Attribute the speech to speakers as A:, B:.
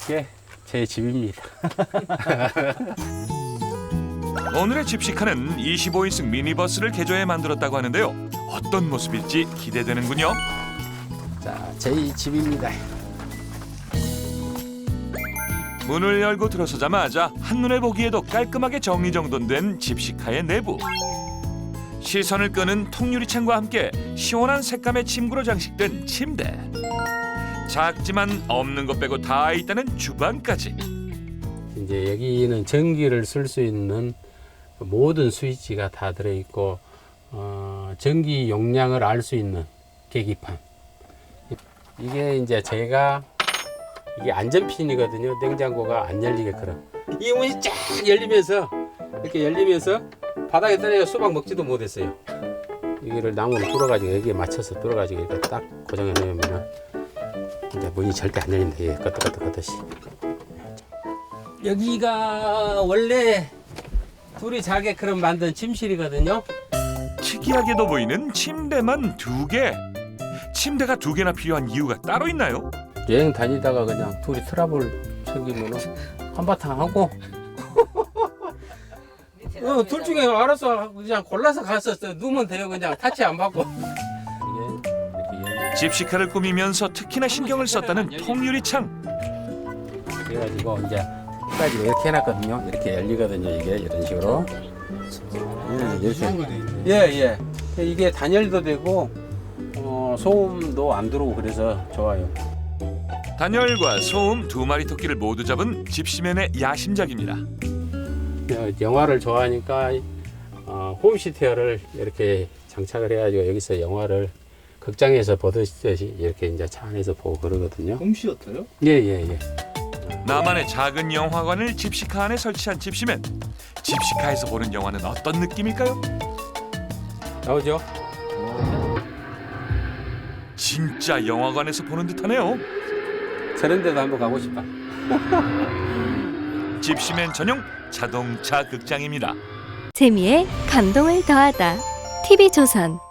A: 이게 제 집입니다.
B: 오늘의 집시카는 25인승 미니버스를 개조해 만들었다고 하는데요. 어떤 모습일지 기대되는군요.
A: 자, 제 집입니다.
B: 문을 열고 들어서자마자 한눈에 보기에도 깔끔하게 정리정돈된 집시카의 내부. 시선을 끄는 통유리창과 함께 시원한 색감의 침구로 장식된 침대. 작지만 없는 것 빼고 다 있다는 주방까지.
A: 이제 여기는 전기를 쓸 수 있는 모든 스위치가 다 들어있고 전기 용량을 알 수 있는 계기판. 이게 이제 제가 이게 안전핀이거든요. 냉장고가 안 열리게끔. 이 문이 쫙 열리면서 이렇게 열리면서 바닥에 떨어져 수박 먹지도 못했어요. 이거를 나무를 뚫어가지고 여기에 맞춰서 뚫어가지고 이렇게 딱 고정해 놓으면 이제 문이 절대 안 열린다. 이게 끄덕끄덕 하듯이. 여기가 원래 둘이 자게끔 만든 침실이거든요.
B: 특이하게도 보이는 침대만 2개. 침대가 2개나 필요한 이유가 따로 있나요?
A: 여행 다니다가 그냥 둘이 트러블 생기면 한바탕 하고 둘 중에 알아서 그냥 골라서 가서 누우면 돼요. 그냥 타치 안 받고. 이게 이렇게
B: 집시카를 꾸미면서 특히나 신경을 썼다는 통유리창.
A: 그래가지고 이제 끝까지 이렇게 해놨거든요. 이렇게 열리거든요. 이게 이런 식으로. 이렇게. 예. 이게 단열도 되고 소음도 안 들어오고 그래서 좋아요.
B: 단열과 소음 2마리 토끼를 모두 잡은 집시맨의 야심작입니다.
A: 영화를 좋아하니까 홈시티어를 이렇게 장착을 해가지고 여기서 영화를 극장에서 보듯이 이렇게 이제 차 안에서 보고 그러거든요.
C: 홈시어터요?
A: 예.
B: 나만의 작은 영화관을 집시카 안에 설치한 집시맨. 집시카에서 보는 영화는 어떤 느낌일까요?
A: 나오죠?
B: 진짜 영화관에서 보는 듯하네요.
A: 저런 데도 한번 가고 싶다.
B: 집시맨 전용 자동차 극장입니다.
D: 재미에 감동을 더하다. TV조선